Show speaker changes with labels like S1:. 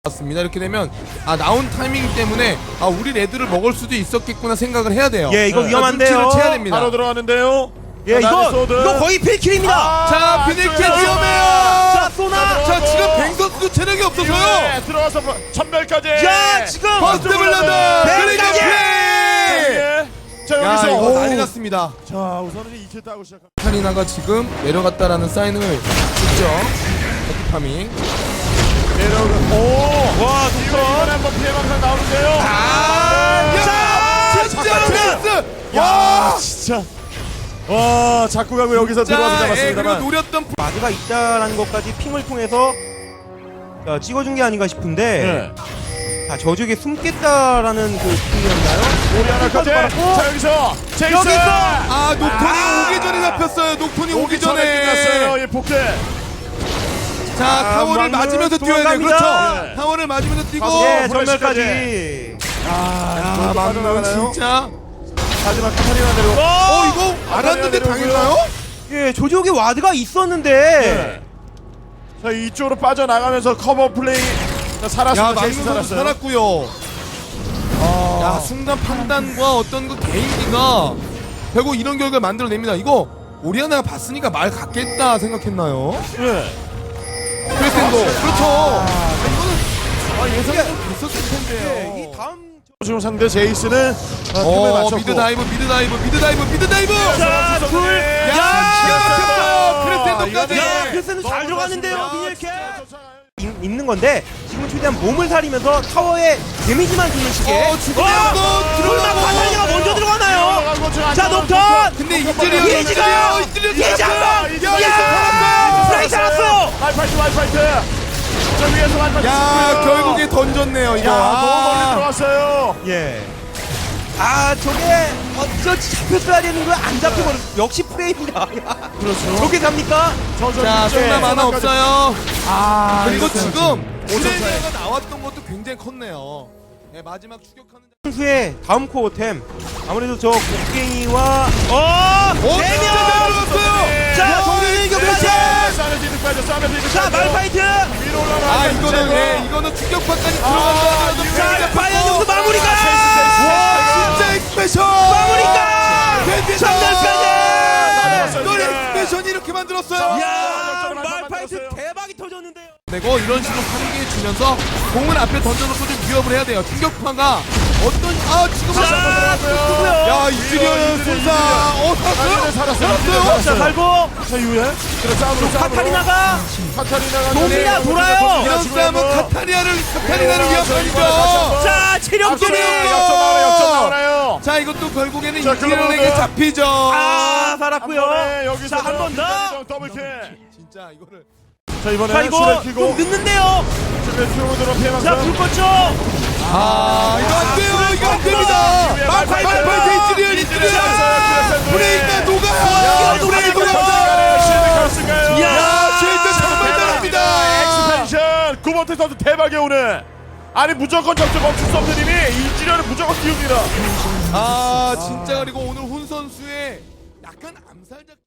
S1: 맞습니다. 이렇게 되면 나온 타이밍 때문에 우리 레드를 먹을 수도 있었겠구나 생각을 해야 돼요.
S2: 예, 이거 위험한데요.
S1: 눈치를 채야 됩니다.
S3: 바로 들어가는데요.
S2: 예, 이거 거의 필킬입니다.
S1: 자, 비닐킬 위험해요.
S2: 자, 쏘나.
S1: 자, 지금 뱅 선수도 체력이 없어서요.
S3: 네, 들어가서 천멸까지.
S2: 야, 지금
S1: 퍼스트 블러드 그리고 플레이.
S3: 자,
S1: 야,
S3: 여기서
S1: 이거 난리 났습니다.
S3: 자, 우선은 2킬 따고 시작합니다.
S1: 카리나가 지금 내려갔다라는 사인을 줬죠. 에피파밍.
S3: 와, 이번에 한번 피해망상 나오는데요.
S1: 진짜 패스.
S3: 야, 진짜. 와, 자꾸 가고 여기서 들어와서
S1: 그리고
S3: 잡았습니다만.
S1: 노렸던
S2: 마드가 있다라는 것까지 핑을 통해서 찍어준 게 아닌가 싶은데
S3: 네.
S2: 자, 저쪽에 숨겠다라는 그 핑이었나요?
S3: 우리 하나까지. 자, 여기서 제이슨.
S1: 여기서 녹톤이 오기 전에 잡혔어요. 녹톤이 오기 전에.
S3: 끝났어요. 이 복제.
S1: 자, 타워를
S3: 막는
S1: 맞으면서 뛰어야 돼요.
S2: 도망갑니다.
S1: 그렇죠.
S3: 네.
S1: 타워를 맞으면서 뛰고.
S2: 예,
S3: 후레쉬까지.
S2: 전멸까지.
S1: 막는 진짜.
S3: 마지막 카타리나 내려.
S1: 이거 알았는데 당했나요?
S2: 예, 저쪽에 와드가 있었는데
S3: 네. 자, 이쪽으로 빠져나가면서 커버 플레이. 자,
S1: 야,
S3: 살았습니다.
S1: 막는
S3: 제이슨
S1: 선수
S3: 살았어요.
S1: 살았고요. 야, 순간 판단과 어떤 그 개인기가 결국 이런 결과를 만들어냅니다. 이거 오리아나가 봤으니까 말 같겠다 생각했나요?
S3: 네.
S1: 크레센도 그렇죠. 이거는 예상이 좀 됐었을 텐데요.
S2: 이 다음
S3: 지금 상대 제이슨은 틈을 맞췄고.
S1: 미드 다이브.
S3: 자, 둘.
S1: 기가 막혔어요. 크레센도까지.
S2: 야, 글쎄는 잘 들어갔는데요.
S1: 야,
S2: 비닐캐 있는 건데 지금 최대한 몸을 사리면서 타워에 데미지만 주는 식의
S1: 죽으려고
S2: 설마 카타리나가 먼저 들어가나요? 자, 녹턴!
S1: 근데
S2: 이즈리얼! 프라이 잘랐어요!
S3: 말파이트. 저 위에서 말파이트.
S1: 야, 결국에 던졌네요. 이거.
S3: 너무 멀리 들어왔어요.
S2: 예. 저게 어쩌지 잡혔어야 되는 거야? 안 잡혀버려. 역시 프레임이다.
S3: 그렇죠.
S2: 저게 갑니까?
S1: 자, 쏜나 만화 없어요. 그리고
S3: 이거
S1: 지금 오레니아가 나왔던 것도 굉장히 컸네요. 네, 마지막 추격하는
S2: 선수의 다음 코어템 아무래도 저 곡괭이와
S1: 진짜 잘 들어갔어요.
S2: 자, 정윤이 격파체! 자, 말파이트!
S3: 위로 올라가.
S1: 이거는 추격판까지 들어간다.
S2: 자, 과연 여기서 마무리가!
S1: 와, 진짜 엑스패션.
S2: 마무리가!
S1: 너
S3: 네.
S1: 엑스패션이 이렇게 만들었어요.
S2: 야, 말파이트 대박이 터졌는데요.
S1: 내고 이런 식으로 파괴해 주면서 공을 앞에 던져놓고 좀 위협을 해야 돼요. 충격파가 지금 야, 이즈리얼 순사 살았어요?
S2: 자, 갈고
S3: 자, 이후에.
S2: 카타리나가 도미나 돌아요.
S1: 이런 싸움은 카타리나를 위협하니까.
S2: 자, 체력적이
S3: 역전 나오나요?
S1: 자, 이것도 결국에는
S3: 자,
S1: 이즈리얼에게
S3: 그러면은-
S1: 잡히죠.
S2: 살았고요.
S3: 여기서
S2: 자, 한 번 더.
S3: 더블킬.
S1: 진짜 이거를
S3: 자, 이번에
S2: 자, 이거
S3: 슈레
S2: 좀
S3: 키고
S2: 늦는데요.
S3: 슈레 키고 들어 피해망상.
S2: 자, 불 껐죠.
S1: 이거 안 돼요. 이거 안 됩니다. 말파이트 이즈리얼 브레이크가 녹아요. 브레이크 녹아요. 야, 쉴드 정말 잘합니다.
S3: 엑스펜션 9번째 선수 대박이에요 오늘. 아니 무조건 접점 멈출 수 없는 힘이 이지련은 무조건 띄웁니다.
S1: 진짜 그리고 오늘 훈 선수의 약간 암살작